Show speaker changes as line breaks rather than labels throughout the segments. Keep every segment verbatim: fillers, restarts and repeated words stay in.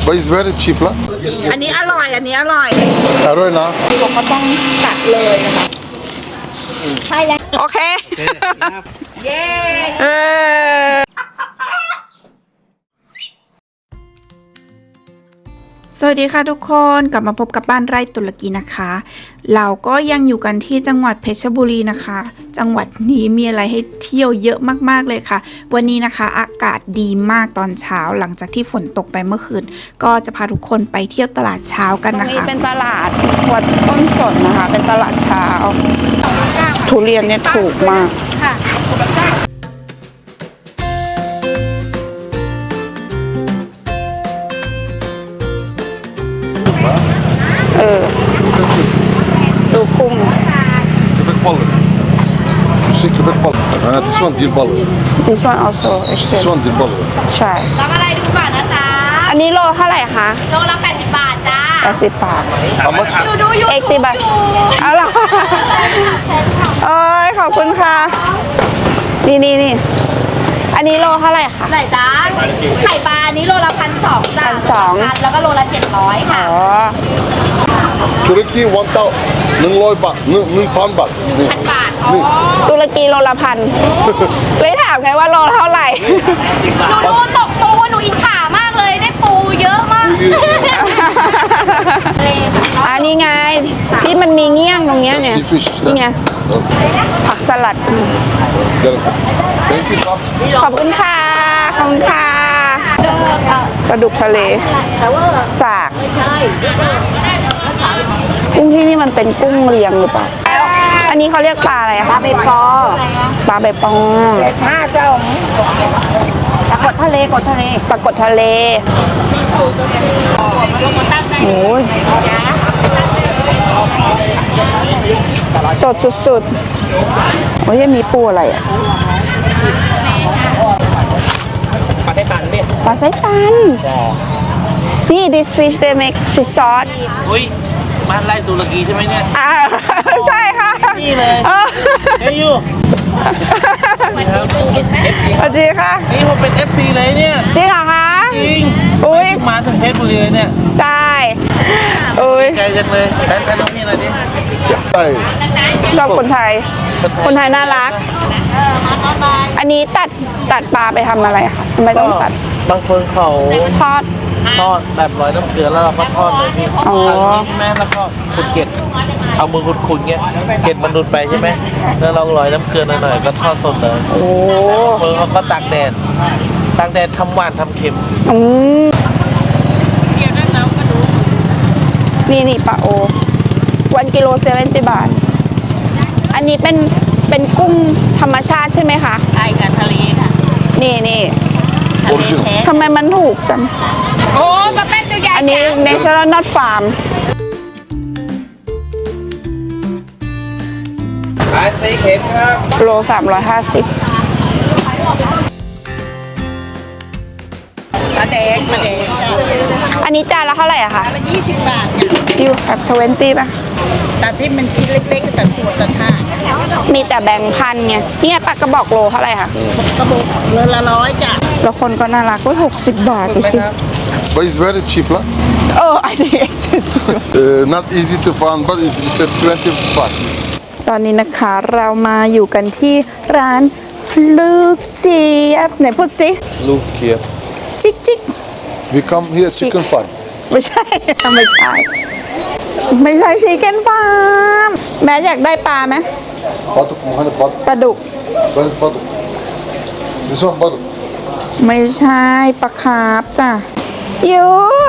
but it's very cheap ละ
อันนี้อร่อยอันนี้อร่อย
อร่อยนะ
ผมก็ต้องตัดเลยนะคะใช่แล้วโอเคเย้เออสวัสดีค่ะทุกคนกลับมาพบกับบ้านไร่ตุรกีนะคะเราก็ยังอยู่กันที่จังหวัดเพชรบุรีนะคะจังหวัดนี้มีอะไรให้เที่ยวเยอะมากๆเลยค่ะวันนี้นะคะอากาศดีมากตอนเช้าหลังจากที่ฝนตกไปเมื่อคืนก็จะพาทุกคนไปเที่ยวตลาดเช้ากันนะคะตรงนี้เป็นตลาดวัดต้นสนนะคะเป็นตลาดเช้าทุเรียนเนี่ยถูกมากเออดูกุ้ง
köpek balığı. Şey köpek balığı. Ha, this one dil balığı.
This one also
This one dil balığı.
ใช่รับอะไรดูก่อนนะจ๊ะอันนี้โลเท่าไหร่คะโลละแปดสิบบาทจ้าแปดสิบบาท
How much?
ดูอยู่เอ็กซ์บาทเอาล่ะเอ้ยขอบคุณค่ะนี่นี่นี่อันนี้โลเท่าไหร่คะไหนจ้าไข่ปลาอันนี้โลละพันสองจ้าพันสองแล้วก็โลละเจ็ดร้อยค่ะอ๋อ
ตุรกีวันเต้าหนึ่งร้อยบาทหนึ่งหนึ่งพันบาท
หนึ่งพันบาทอ๋อตุรกีโลละพันเลยถามไงว่าโลเท่าไหร่ดูดูตกปูหนูอิจฉามากเลยได้ปูเยอะมากอันนี้ไงที่มันมีเงี้ยงตรงเนี้ยเนี่ยนี่ไงผักสลัดขอบคุณค่ะขอบคุณค่ะปลาดุกทะเลสากกุ้งที่นี่มันเป็นกุ้งเลี้ยงหรือเปล่าอันนี้เขาเรียกปลาอะไรคะปลาใบปอปลาใบปองห้าเจ้าปลากดทะเลกดทะเลปลากดทะเลโอ้ยสดสุดๆโอ้ยยังมีปูอะไรอ่ะ
ปลาไส้ตันเนี่ย
ปลาไส้ตันนี่ this fish they make fish sauce
อุ้ยบ้านไร่ตุรกีใช่ไหมเนี่ย
อ่าใช่ค่ะ
นี่เลยเฮ้ยยู
สวัสดีค่ะ
นี่ผมเป็น เอฟ ซี เลยเนี่ย
จริงเหรอคะ
จริง
อุ้ย
มาถึงเพชรบุรีเลยเนี่ย
ใช่อุ้ย
ใจจังเลยแฟนแฟนน้องนี่อะไรดิ
ชอบคนไทยคนไทยน่ารักอันนี้ตัดตัดปลาไปทำอะไรคะทำไมต้องตัด
บางคนเขา
ทอด
ทอดแบบร้อยน้ำเกลือแล้วเราก็ทอดเลยพี่ทอดนี้ใช่ไหมแล้วก็ขุดเกล็ดเอามือขุดๆเงี้ยเกล็ดมันหลุดไปใช่ไหมแล้วเราร้อยน้ำเกลือหน่อยๆก็ทอดสดเลย
โอ้
เพิ่งเขาก็ตากแดดตากแดดทำหวานทำเค็ม
อืมนี่นี่ปลาโอวันกิโลเซเว่นติบาทอันนี้เป็นเป็นกุ้งธรรมชาติใช่ไหมคะใช่ค่ะทะเลค่ะนี่นี่ทำไมมันถูกจังโอ้มาเป็นตัวใหญ่อันนี้ Natural Not Farm
ขายไส้เค็มครับ
โลสามร้อยห้าสิบมาแดงมาแดงอันนี้จานละเท่าไหร่อะคะละยี่สิบบาทยูแบบทเวนตี้ป่ะตัดที่มันชิ้นเล็กๆตัดตัวตัดห้ามีแต่แบงค์พันไงเนี่ยปลากระบอกโลเท่าไหร่คะกระบอกโลละร้อยจ้ะแล้วคนก็น่ารักก็หกสิบบาทดูสิ
but it's very cheap ละ
เออ I think expensive
not easy to find but it's twenty bucks
ตอนนี้นะคะเรามาอยู่กันที่ร้านลูกเจี๊ยบไหนพูดสิ
ลูกเจี๊ยบ
จิกจิก
we come here chicken farm
ไม่ใช่ไม่ใช่ไม่ใช่ชิคเก้นฟาร์มแม่อยากได้ปลาไหม
ปลาดุกมันปลา
ปลาดุก
ปลาดุกปลาดุก this one ปลาดุก
ไม่ใช่ปลาคาร์ฟจ้ะยู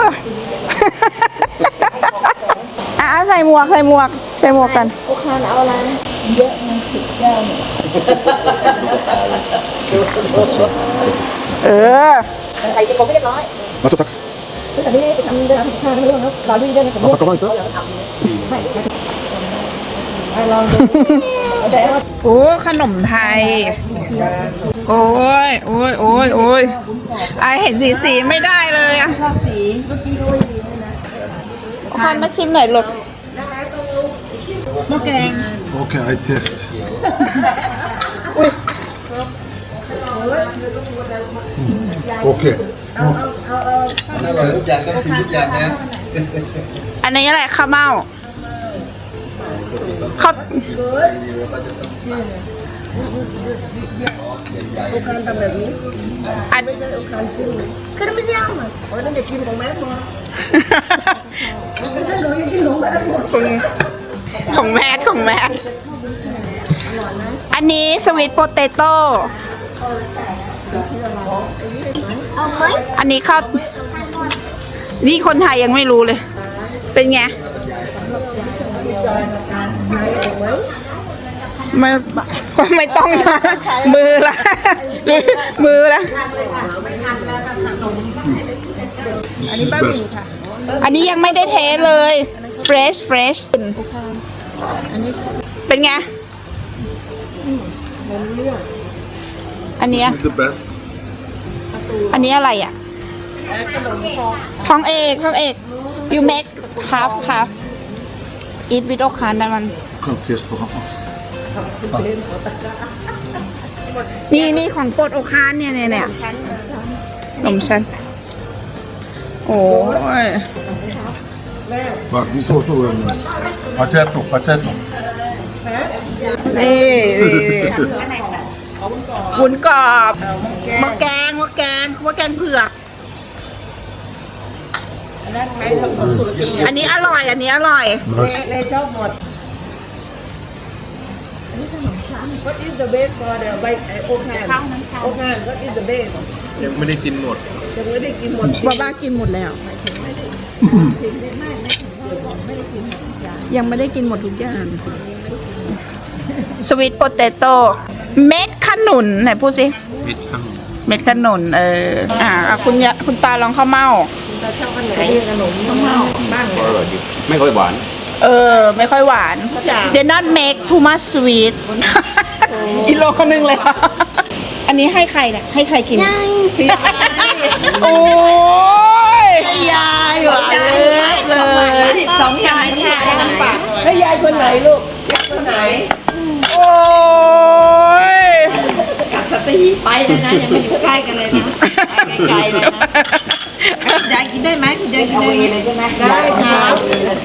อ่ะใส่หมวกใส่หมวกใส่หมวกกันโอคานเอาอะไรเยอะมันสิบแก้วเออใส่จะกบไม่เรียบร้อย
มาตุ๊กตัก
อันนี้ทำเดินทางเรื่องครับรอดูด้วยนะครับ
มาตุ๊กตัก
โอ้ขนมไทยโอ้ยโอ้ยโอ้ยโอ้ยไอเห็นสีสีไม่ได้เลยอ่ะสีเมื่อกี้ด้วยคันมาชิมหน่อยลูกมะแกง
โอเค I test โอเค
อันนี้อะไรข้าวเม่าข้าว
โอคานทำแบบนี้
อัน
ไม่ใช่โอคานจิ้มคือไม่ใช่เอามาโอ้ยนั่นเด็กกินของแม่หมดไม่ใช่หนูยังกินของแม่หมด
ของแมทของแมทอันนี้สวีทโปเตโต้อันนี้ข้าวนี่คนไทยยังไม่รู้เลย เป็นไงไม่ไม่ต้องใช้มือละมือละ
This is best.
อันนี้ยังไม่ได้เทเลย fresh fresh เป็นไง อันเนี้ย
This is the best.
อันนี้อะไรอ่ะทองเอกทองเอก you make half half eat with โอคานได้มัน
Kan taste på honom.
นี่นี่ของโปรดโอคานเนี่ยเนี่ยเนี่ยนมชั้นโอ้ย
Bak, this also very nice. Potato, potato.
นี่วุ้นกรอบมะแกงมะแกงมะแกงเผือกอันนี้อร่อย อันนี้อร่อย
Nice.
แม่ชอบหมดอันนี้ขนมชั้น What is the best for the white โอคานโอคาน What is the best
ยังไม่ได้กินหมด
ยังไม่ได้กินหมด
บ้าบ้ากินหมดแล้ว ยังไม่ได้กินหมดทุกอย่าง สวีทโปเตโต้เม็ดขนุนไหนพูดสิ
มิดข้าง
เม็ดขนุนเอออ่าอ่ะคุณยะคุณตาลองข้าวเม่า
เราชอบขนมขนมข้าวเม่าบ้านเรา
ไม่ค่อยหวาน
เออ ไม่ค่อยหวาน They not make too much sweet กิโลนึงเลยค่ะอันนี้ให้ใครเนี่ยให้ใครกิน โอ้ยยายหวานเลยเลย
สองยายแช่น้ำปลาแล้วยายคนไหนลูกยายคนไหน
โอ้ย
กับสตีไปเลยนะยังไม่อยู่ใกล้กันเลยนะไปไกลๆเลยนะยายกินได้ไหมคุณยายกินได้เลยใช่ไหมได้ครับ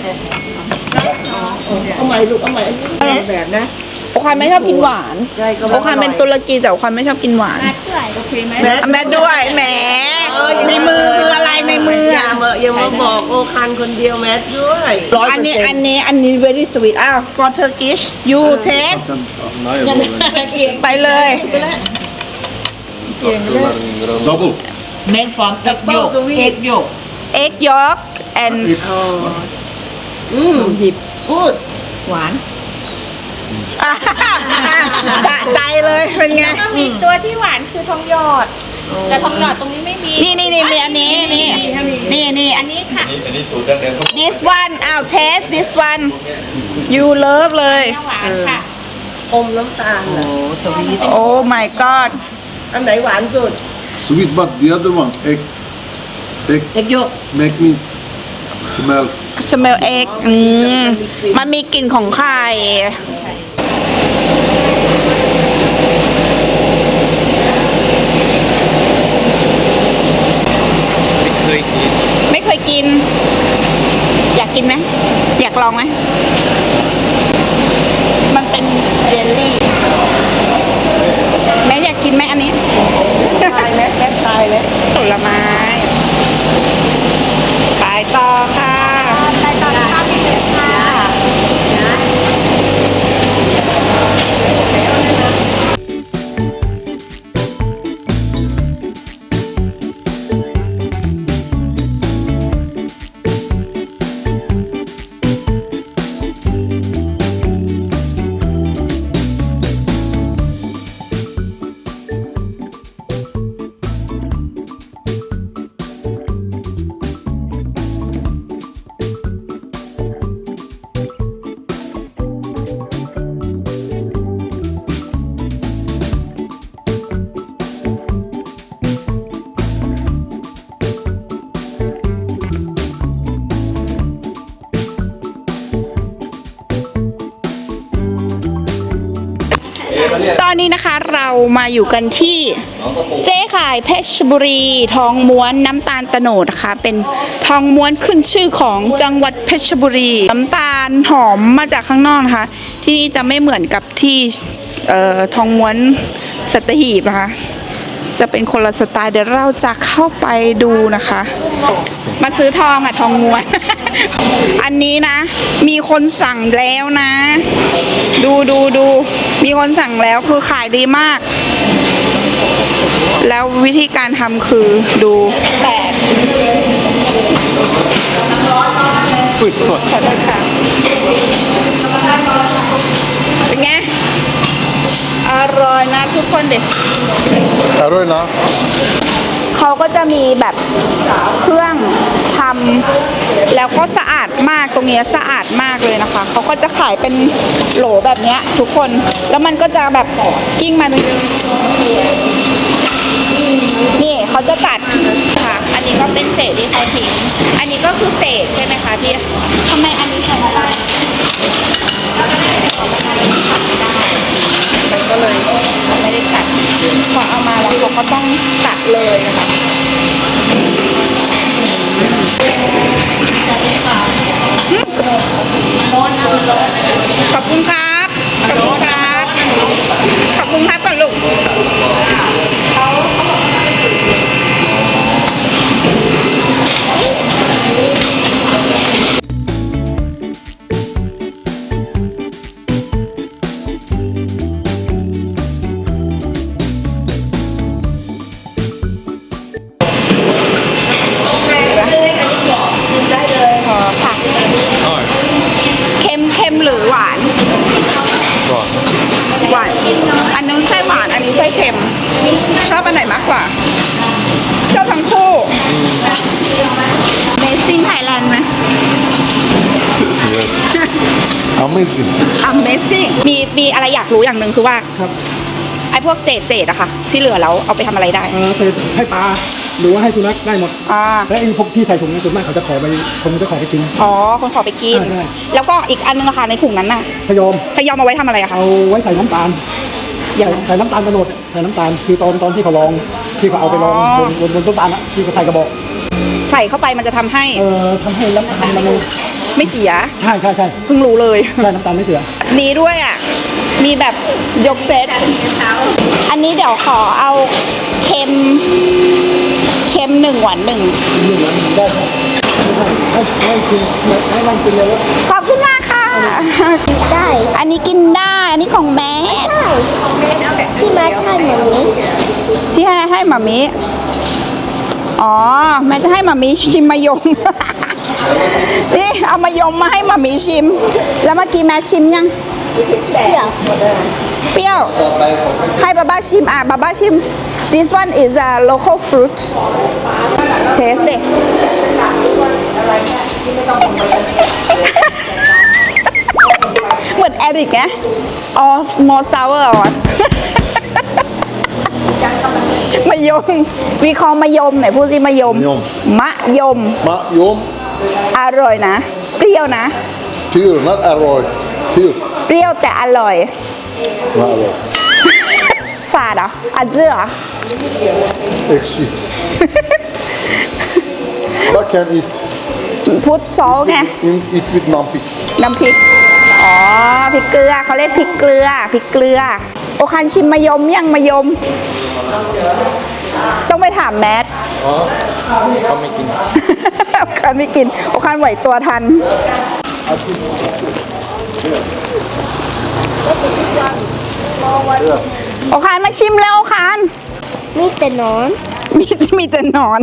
เอาใหม่ลูกเอาใหม่แบบนะ
โอคานไม่ชอบกินหวานโอคานเป็นตุรกีแต่โอคานไม่ชอบกินหวาน
แม่
แม่ด้วยแหมในมือคืออะไรในมือ
อย่า
อ่ะ
มาอย่ามาบอกโอคันคนเดียวแมทด้วย
อันนี้อันนี้อันนี้ very sweet อ้าว for Turkish you taste
Sen,
ไปเลย
double.
Made from egg yolk. Egg yolk.
egg yolk and
อืมหยิบพูดหวาน
สะใจเลยเป็นไง
ก็มีตัวที่หวานคือทองหยอด แต่ทองหยอดตรงนี้ไม่มี
นี่นี่นี่มีอันนี้นี่นี่นี่
อันนี้ค่ะ
this one อ้าว taste this one you love เลย
หวานค่ะ
อมน้ำตาลโอ้สวีท
โอ้ my god
อันไหนหวานสุด
Sweet, but the other one, egg, egg,
เอ็กโยก
make me smell.
smell egg อืมมันมีกลิ่นของไข่
ไม่เคยกิน
ไม่เคยกิน อยากกินไหมอยากลองไหมมันเป็นเจลลี่แม่อยากกินไหมอันนี้
ตายไหมแม่ตายไหม
ผลไม้ไปต่อค่ะ
ไปตอนข้าวที่เหลือค่ะ
This
อนนี้นะคะเรามาอยู่กันที่เจ๊ขายเพชรบุรีทองม้วนน้ำตาลโตโนดนะคะเป็นทองม้วนขึ้นชื่อของจังหวัดเพชรบุรีน้ำตาลหอมมาจากข้างนอกนะคะที่นี่จะไม่เหมือนกับที่เอ่อทองม้วนสัตหีบนะคะจะเป็นคนละสไตล์เดี๋ยวเราจะเข้าไปดูนะคะ มาซื้อทองอะทองม้วน อันนี้นะ มีคนสั่งแล้วนะ ดูดูดูมีคนสั่งแล้วคือขายดีมาก แล้ววิธีการทำคือดูแตก
ปิดก่อน
ขอโทษค่ะเป็นไง อร่อยนะทุกคนเด็ด
อร่อยนะ
เขาก็จะมีแบบเครื่องทำแล้วก็สะอาดมากตรงเนี้ยสะอาดมากเลยนะคะเขาก็จะขายเป็นโหลแบบเนี้ยทุกคนแล้วมันก็จะแบบกิ้งมาตรงนี้นี่เขาจะตัดค่ะอันนี้ก็เป็นเศษที่เขาทิ้งอันนี้ก็คือเศษใช่ไหมคะที่ทำไมอันนี้ใช้ไม่ได้มันก็เลยไม่ได้ตัดพอเอามาแล้วเขาก็ต้องตัดเลยนะคะขอบคุณครับขอบคุณครับขอบคุณครับก่อนลูกเค็มเค็มหรือหวาน
ก่อน
หวาน อันนู้นไส้หวาน อันนี้ไส้เค็ม ชอบอันไหนมากกว่า ชอบทั้งคู่ Amazing Thailand ไหม
Amazing
Amazing มีมีอะไรอยากรู้อย่างหนึ่งคือว่าไอ้พวกเศษเศษอะค่ะ ที่เหลือแล้วเอาไปทำอะไรได้
เออใส่ให้ปลาหรือว่าให้สุนัขได้หมด
อ่า
และไอ้พวกที่ใส่ถุงในส่วนมากเขาจะขอไปคนจะขอไปกิน
อ๋อ คนขอไปกิน
ใช่ใช่
แล้วก็อีกอันนึงอะค่ะในถุงนั้นน่ะ
พยอม
พยอมเอาไว้ทำอะไรอะคะ
เอาไว้ใส่น้ำตาล
อย่า
ใส่
ง
ใส่น้ำตาลกระโดดใส่น้ำตาลคือตอนตอนที่เขาลองที่เขาเอาไปลอง
อ๋อ
บนบนบนต้นตาลอะที่เขาใส่กระบอก
ใส่เข้าไปมันจะทำให้
เอ่อทำให้น้ำตาลมัน
ไม่เสีย
ใช่ใช่ใช่
เพิ่งรู้เลย
ใช่น้ำตาลไม่เสีย
นี้ด้วยอ่ะ มีแบบยกเซต อันนี้เดี๋ยวขอเอาเค็ม เค็มหนึ่งหวานหนึ่ง
หนึ่งวันได้ครับให้ให้กินให้นั่งกินเลยว่า
ขอบคุณมากค่ะ ได้ อันนี้กินได้ อันนี้ของแม่ที่แม่ให้หมามิที่ให้ให้หมามิอ๋อ แม่จะให้หมามิชิมมายม นี่เอามายมมาให้หมามิชิม แล้วเมื่อกี้แม่ชิมยัง เปรี้ยว เปรี้ยว ให้บาบ้าชิมอ่ะบาบ้าชิม this one is a local fruit taste ดิ เหมือนแอริกไง of more sour อ่ะ มะยมวีคอมะยมไหนพูดสิมะยม มะยม
มะยม
อร่อยนะ เปรี้ยวนะ
pure not อร่อย pure
เปรี้ยวแต่อร่อย
not อร่อย
ฝาดเหรออาเจือเหรอ
ekşi but can eat
พุทธซอสไง
in eat with nampik
น้ำพริก อ๋อ พริกเกลือเขาเรียกพริกเกลือ พริกเกลือ โอคันชิมมะยมยังมะยม ต้องไปถามแมท
อ๋อเขาไม่กิน
โอคันไม่กิน โอคันไหวตัวทัน โอคันมาชิมแล้วโอคัน
มีแต่นอน
มีมีแต่หนอน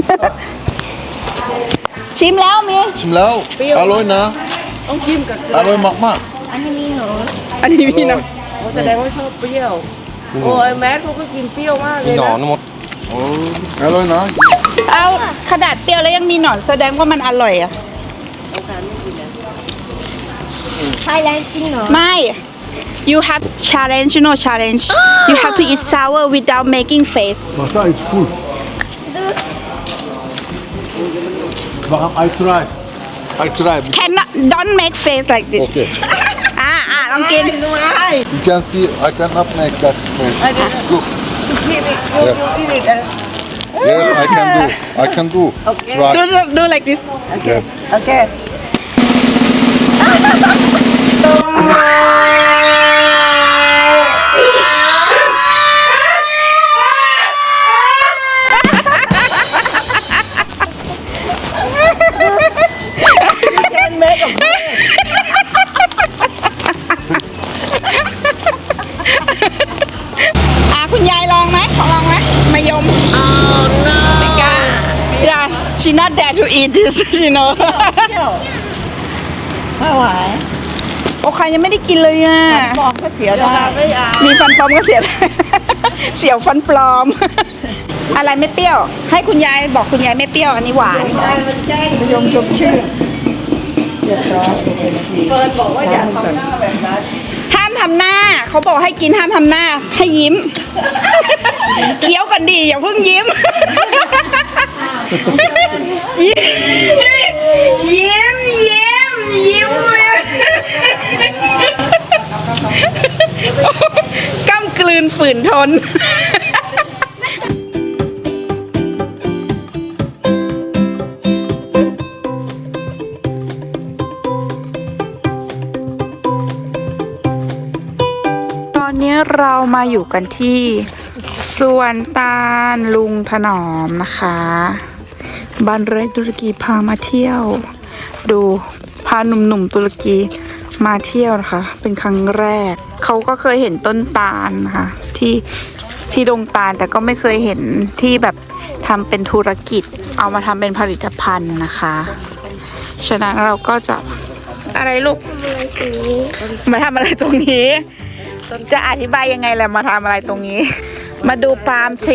ชิมแล้วมี
ชิมแล้วอร่อยนะต้องจิ้มกับอร่อยมาก
อันนี้มีหนอน
อันนี้มีหนอน
แสดงว่าชอบเปรี้ยว โอ้ยแมทเขาก็กินเปรี้ยวมากเลยนะ
ๆโอ้อร่อยนะ
เอาขนาดเปรี้ยวแล้วยังมีหนอนแสดงว่ามันอร่อยอะ
ไทยแลนด์กินหนอน
ไม่ you have challenge you know challenge you have to eat sour without making face
Masa is full
Bakal I try
I try
cannot don't make face like this
โอเค
อ่าอ่าลองกิน
You can see I cannot make that face. Look. Yes. Yes, I can do. I can do. Try.
do do like this
Yes.
โอเค
อ่ะคุณยายลองไหมลองไหมมายม oh no ไม่กล้า yeah she not dare to eat this you know
ไม่ไหว
โอ้ใครยังไม่ได้กินเลยอ่ะ
ฟองก็เสียได้ไม่เอา
มีฟันปลอมก็เสีย เสียวฟันปลอม อะไรไม่เปรี้ยว ให้คุณยายบอกคุณยายไม่เปรี้ยวอันนี้หวาน
มันแจ้งยมชมชื่อเรียบร้อยเฟิร์นบอกว่าอย่าทำหน้าแบบนั้น
ห้ามทำหน้า เขาบอกให้กินห้ามทำหน้า ให้ยิ้ม เคี้ยวกันดีอย่าเพิ่งยิ้ม ยิ้ม ยิ้ม ยิ้ม กำกลืนฝืนทน ตอนนี้เรามาอยู่กันที่สวนตาลลุงถนอมนะคะบ้านไร่ตุรกีพามาเที่ยว ดูพาหนุ่มๆตุรกีมาเที่ยวนะคะ เป็นครั้งแรก เขาก็เคยเห็นต้นตาลนะคะที่ที่ดงตาลแต่ก็ไม่เคยเห็นที่แบบทำเป็นธุรกิจ เอามาทำเป็นผลิตภัณฑ์นะคะ ฉะนั้นเราก็จะอะไรลูกมาทำอะไรตรงนี้ จะอธิบายยังไงแหละมาทำอะไรตรงนี้ มาดูปาล์มทรี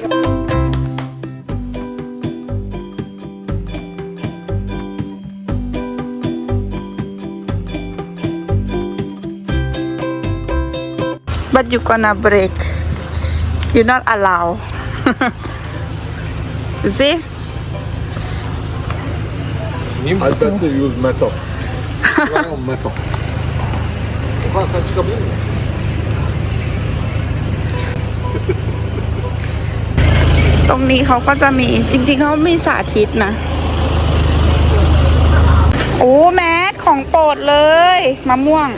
but you gonna break you not allow you see
I better use metal. Try on metal. Okan sen çıkabilir misin?
ตรงนี้เขาก็จะมีจริงๆเขามีสาธิตนะ โอ้แมสของโปรดเลยมะม่วง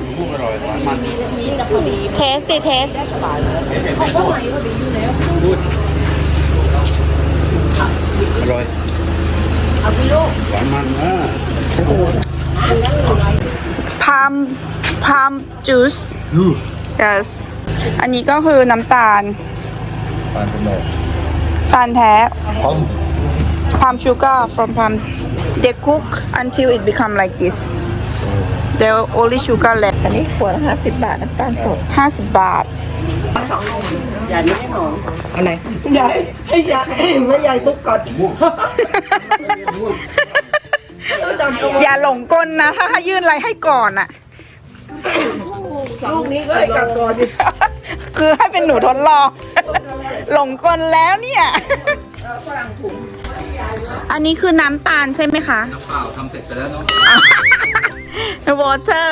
เทสดิเทสพามพามจูส
Juice.
yes อันนี้ก็คือน้ำตาล
I don't know.
ตาลแท้
Palm
palm sugar from palm they cook until it become like this they only sugar left
อันนี้ขวดละห้าสิบบาทน้ำตาลสด
ห้าสิบบาท
อะไรใหญ่ให้ใหญ่ไม่ใหญ่ทุกก่อน
อย่าหลงกลนะ ถ้าให้ยื่นอะไรให้ก่อนอะ
ลูกนี้ก็ให้กลับก่อนดิ
คือให้เป็นหนูทดลอง หลงกลแล้วเนี่ย อันนี้คือน้ำตาลใช่ไหมคะ น้ำเปล่าทำเสร็จไปแล้วเนาะ water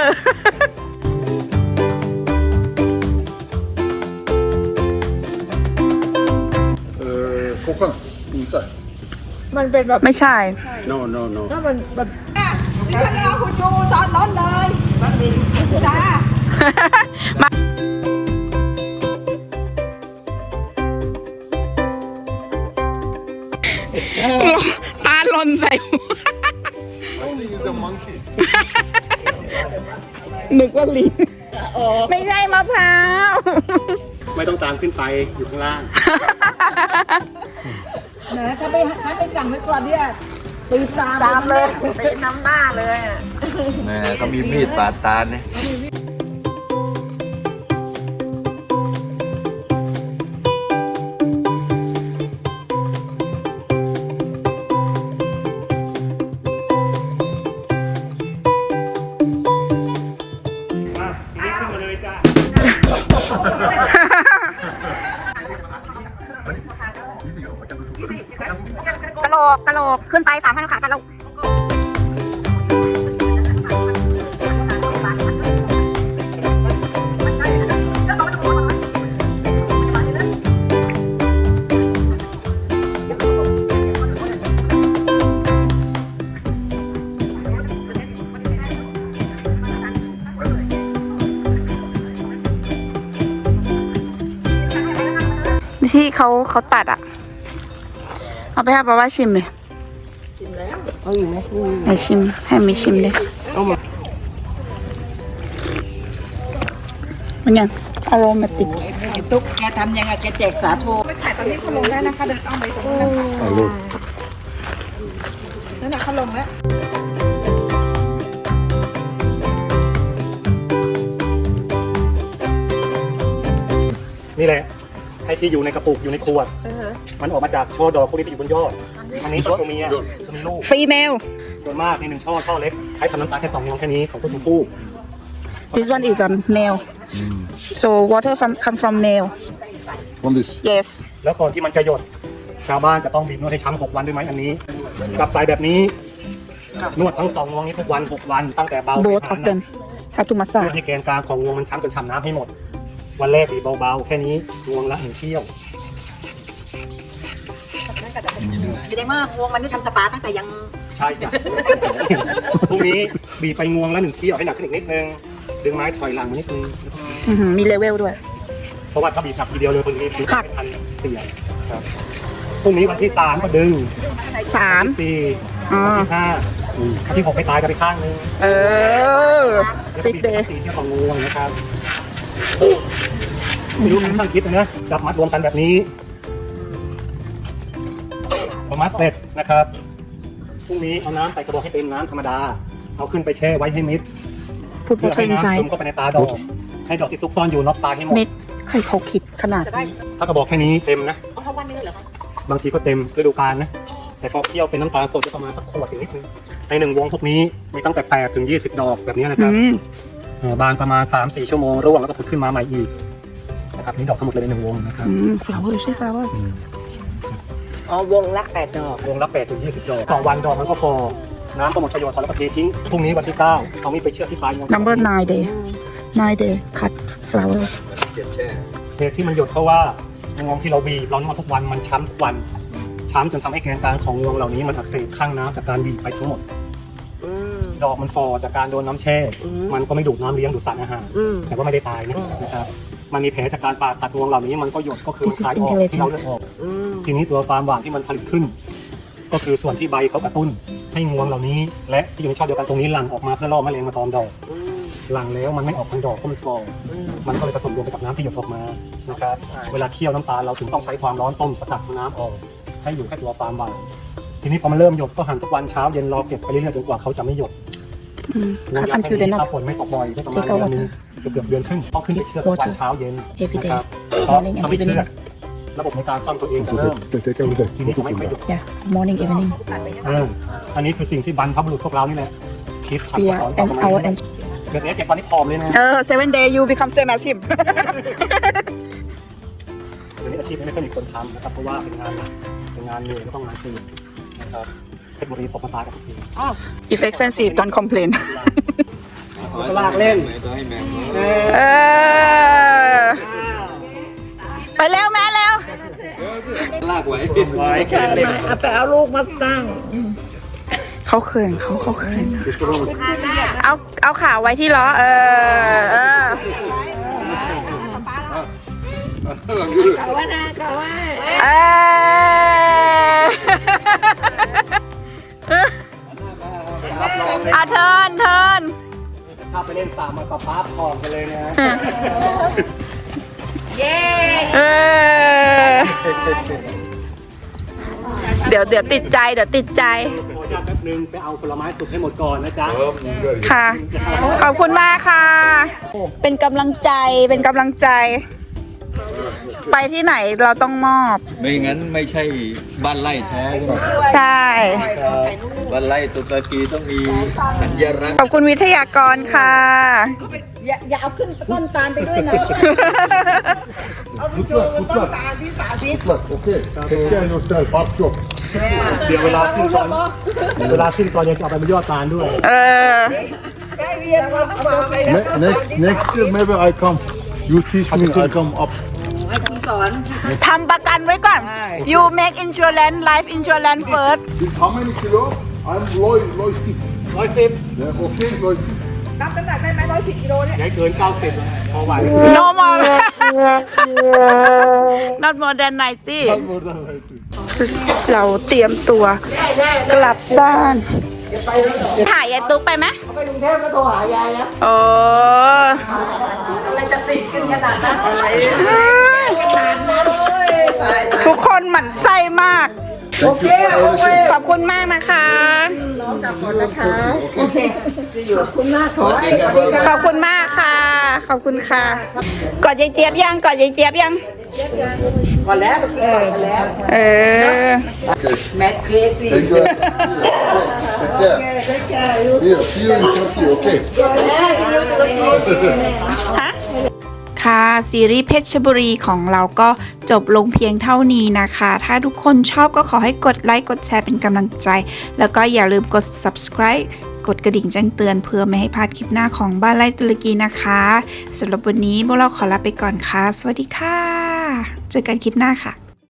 uh, coconut inside.
มันเป็นแบบ
ไม่ใช่
No, no, no.
ถ้ามันแบบ
ฉันรอคุณยูตอนร้อนเลยจ้า
มาตาลนใส่หัว
I think it's a monkey.
นึกว่าลิงไม่ใช่มะพร้าว
ไม่ต้องตามขึ้นไปอยู่ข้างล่าง
นะถ้าไปถ้าไปสั่งไว้ก่อนเนี่ยปีตามตามเลยปีน้ำหน้าเลย
แหมเขามีมีดปาดตาเนี่ย
กะโหลกกะโหลกขึ้นไปสามพันขากะโหลกที่เขาเขาตัดอ่ะ เอาไปให้ป้าว่าชิมเลย
เอาอยู่ไหมอืม
ให้ชิม ให้มีชิมเลย
เอามา
เป็นไงอารมาติก
ตุ๊กแกทำยังไงแกแจกสาโท
ไม่ขายตอนนี้เขาลงได้นะคะ เดินอ้อมไปตรงนั้นนะคะ
อ่ะลูก
นั่นน่ะเขาลงแล้ว
นี่แหละไอ้ที่อยู่ในกระปุกอยู่ในขวดมันออกมาจากช่อดอกพวกนี้ที่อยู่บนยอดอันนี้ตัวเมียตัวมีลูก
ฟีเมล
ส่วนมากในหนึ่งช่อช่อเล็กใช้ทำน้ำตาลแค่สองมลแค่นี้ของต้นชมพู่
this one is a male so water from come from male
From this.
yes
แล้วก่อนที่มันจะหยดชาวบ้านจะต้องบีบนวดให้ช้ำหกวันด้วยไหมอันนี้กับสายแบบนี้นวดทั้งสองงวงนี้ทุกวันหกวันตั้งแต่เบา
both of them have to
นว
massage
ดให้แกนกลางของงวงมันช้ำจนช้ำน้ำให้หมด วันแรกบีบเบาๆแค่นี้งวงละหนึ่งเที่ยว
แสดงว่าวงมันนี่ทำสปาตั้งแต่ยัง
ใช่จ้ะ พรุ่งนี้บีบไปงวงละหนึ่งเที่ยวให้หนักขึ้นอีกนิดนึงดึงไม้ถอยหลังมานิดนึง
อื้อหือมีเลเวลด้วย
เพราะว่าถ้าบีบหนักทีเดียวเลยคนนี้บีบไม่ทันเสี่ยงครับพรุ่งนี้วันที่สามก็ดึง
สาม
วันที่สี่
อ๋อ
วันที่ห้าวันที่หกไปตายกันไปข้างนึง
เออ
แล้วก็
six
บีบ
day
สี่เที่ยวของงวงนะครับไม่รู้ท่านคิดนะจับมัดรวมกันแบบนี้พอมัดเสร็จนะครับพรุ่งนี้เอาน้ำใส่กระบอกให้เต็มน้ำธรรมดาเอาขึ้นไปแช่ไว้ให้มิด
put
เพื่อ
water
ให้น้ำซึ
inside
มเข้าไปในตาดอกให้ดอกที่ซุกซ่อนอยู่น็อกตายให้หมด
เม็ดใครเขาคิดขนาดนี้
ถ้ากระบอกแค่นี้เต็มนะบางทีก็เต็มฤดูกาลนะแต่พอเคี่ยวเป็นน้ำตาลสดจะประมาณสักขวดถึงนิดนึงในหนึ่งวงพวกนี้มีตั้งแต่แปดถึงยี่สิบดอกแบบนี้นะครับ
อืม
เอ่อบานประมาณ สามถึงสี่ ชั่วโมงร่วงแล้วก็ผุดขึ้นมาใหม่อีกนะครับนี่ดอกทั้งหมดเลยในหนึ่งวงนะครับ
อืม flower ใช่ flower
อ๋อวงละแปดดอก
วงละแปดถึงยี่สิบดอกสองวันดอกมันก็พอน้ำก็หมดประโยชน์พอแล้วก็เททิ้งพรุ่งนี้วันที่เก้าเอามีดไปเชือกที่ปลายงวง
number nine day nine day cut flower
เหตุที่มันหยดเพราะว่างวงที่เราบีบเรานวดทุกวันมันช้ำทุกวันช้ำจนทำให้แกนกลางของงวงเหล่านี้มันอักเสบข้างน้ำจากการบีบไปทั้งหมด
อืม
ดอกมันฟอจากการโดนน้ำแช่
อืม
มันก็ไม่ดูดน้ำเลี้ยงดูดสารอาหาร
อืม
แต่ว่าไม่ได้ตายนะนะครับมันมีแผลจากการผ่าตัดงวงเหล่านี้มันก็หยดก็คือ
This is
คลายออก
intelligent
ที่เราเลือดออก
อืม
ทีนี้ตัวฟาร์มหวานที่มันผลิตขึ้น ก็คือส่วนที่ใบเขากระตุ้นให้งวงเหล่านี้ และที่อยู่ในช่อเดียวกันตรงนี้หลั่งออกมาเพื่อล่อแมลงมาตอมดอก
อืม
หลั่งแล้วมันไม่ออกทางดอกก็มันฟอง
อืม
มันก็เลยผสมรวมไปกับน้ำที่หยดออกมานะครับเวลาเคี่ยวน้ำตาลเราถึงต้องใช้ความร้อนต้มสกัดน้ำออกให้อยู่แค่ตัวฟาร์มหวานทีนี้พอมันเริ่มหยดก็หั่นทุกวันเช้าเย็นรอเก็บไปเรื่อยๆจนกว่าเขาจะไม่หยด
อืม
งวง
cut
ยาง
until the
แค่นี้
next
ถ้าฝนไม่ตกบ่อยได้ประมาณ
Take out
เดือนหนึงเกือบๆเดือนครึ่งต้องขึ้นไปเชือดทุกวันเช้าเย็น
Every day
นะครับเพราะ
Morning and
ถ้าไม่เชือ
evening
ดระบบในการซ่อมตัวเองจะ
So
เริ่ม
take, take every day.
ทีนี้จะไม่ค่อยหยุด
yeah morning evening
เอออันนี้คือสิ่งที่บรรพบุรุษพวกเรานี่แหละคิดทำ
yeah
สอนต่อ
and
กัน
our
มา
and
เกิดนี้เจ็ดวันนี้ผอมเลยนะ
เออ seven day you become same as him
เดี๋ยวนี้อาชีพนี้ไม่ค่อยมีคนทำนะครับเพราะว่าเป็นงานหนักเป็นงานเหนื่อยแล้วก็งานตื่นนะครับเพชรบุรีตกมาตายกับทุกที
if expensive don't complain
ก็ลากเล่น
เออ ไปแล้วแม่แล้ว
ไว้แค่เล่น
เอาไปเอาลูกมาตั้ง
เขาเขินเขาเขาเขินเอาเอาขาไว้ที่ล้อ เออเออ
เขาว่านะเขาว่า
เออเอาเทิร์นเทิร์น
ถ้าไปเล่นสามมาปะป๊าผอมกันเลยนะ
เออเดี๋ยวเดี๋ยวติดใจเดี๋ยวติดใจ
ขออนุญาตแป๊บนึงไปเอาผลไม้สุกให้หมดก่อนนะจ๊ะ
ค่ะ ขอบคุณมากค่ะ เป็นกำลังใจเป็นกำลังใจ ไปที่ไหนเราต้องมอบ
ไม่งั้นไม่ใช่บ้านไร่แท้ใช่ไหม
ใช่
บ้านไร่ตุรกีต้องมีสัญลักษณ์
ขอบคุณวิทยากรค่ะ
อย่าอย่าเอาขึ้นต้นตาลไปด้วยนะ เอาไปโชว์บนต้นตาลที่สาธิต
Good luck, okay? Take care of yourself, hard job.
เดี๋ยวเวลาขึ้นตอนเวลาขึ้นตอนยังจะเอาไปเป็นยอดตาลด้วย
เออ
ได้เรียนมาฝากไปนะ
Ne- next, next year maybe I come. You teach me, I come up.
ให้คุณสอน
ทำประกันไว้ก่อน you make insurance life insurance first
This how many kilo? I'm low, low sick.
ร้อยสิบ
Yeah, okay, low sick.
รับน้ำหนักได้ไหมร้อยสิบกิโลเนี่ย
ได้เกินเก้าสิบพอไหว
no more not more than ninety เราเตรียมตัวกลับบ้านถ่ายยายตุ๊กไปไหม
ไปกรุงเทพก็โทรหายายแล้ว
โอ้
อะไรจะสิขึ้นขนาดนั้นอะไรขนาดนั้นเลยตาย
ทุกคนหมั่นไส้มาก
โอเคโอเค
ขอบคุณมากนะคะ
ขอบคุณนะคะโอเคขอบคุณมากขอให้สวัสดี
ข
ค่ะ
อบคุณมากค่ะ ขอบคุณค่ะ กอดยายเจี๊ยบยังกอดยายเจี๊ยบยัง
ก่อนแล้วเออก่อนแล้ว
เออ
แมทเครซี่
Thank you. Take care.
ได้แก่
See you. See you in Turkey. Okay.
ฮะค่ะซีรีส์เพชรบุรีของเราก็จบลงเพียงเท่านี้นะคะ ถ้าทุกคนชอบก็ขอให้กดไลค์กดแชร์เป็นกำลังใจ แล้วก็อย่าลืมกด subscribe กดกระดิ่งแจ้งเตือนเพื่อไม่ให้พลาดคลิปหน้าของบ้านไร่ตุรกีนะคะสำหรับวันนี้พวกเราขอลาไปก่อนค่ะ สวัสดีค่ะ เจอกันคลิปหน้าค่ะ